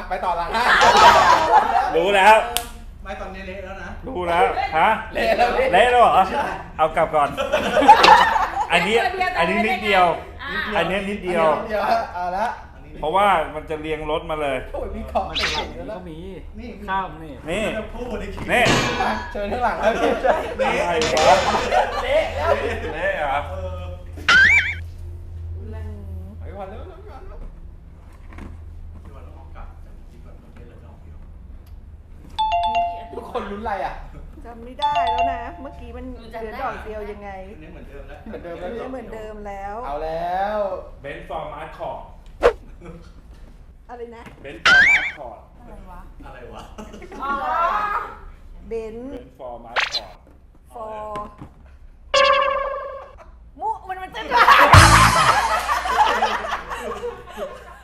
ไปต่อละฮะรู้แล้วไม่ตอนนี้เละแล้วนะรู้แล้วฮะเละแล้วพี่เละแล้วเหรอเอากลับก่อน อันนี้นิดเดียว อันนี้นิดเดียวเดี๋ยวเอาละอันนี้เพราะว่ามันจะเรียงรถมาเลยโอ้ยมีของมันเก่หลังงนี้แล้วก็มีนี่ข้ามนี่นี่จะพูดในคลิปนี่มาเชิญข้างหลังแล้วพี่อะไรวะเละแล้วเละเหรอเออไปก่อนเร็วเร็วเร็วเร็วพี่วันต้องเอากลับจากคลิปก่อนเมื่อกี้เลยไม่เอาคลิปทุกคนลุ้นอะไรอ่ะจำไม่ได้แล้วนะ เมื่อกี้มันเหลือดอกเดียวยังไงอันนี้เหมือนเดิมแล้วเหมือนเดิมแล้วไม่เหมือนเดิมแล้วเอาแล้วเบนซ์ฟอร์มอาร์ตคอร์ดอะไรนะเบนซ์ฟอร์มอาร์ตคอร์ดอะไรวะอะไรวะเบนเบนซ์ฟอร์มอาร์ตคอร์ดฟอร์มุมันเต้น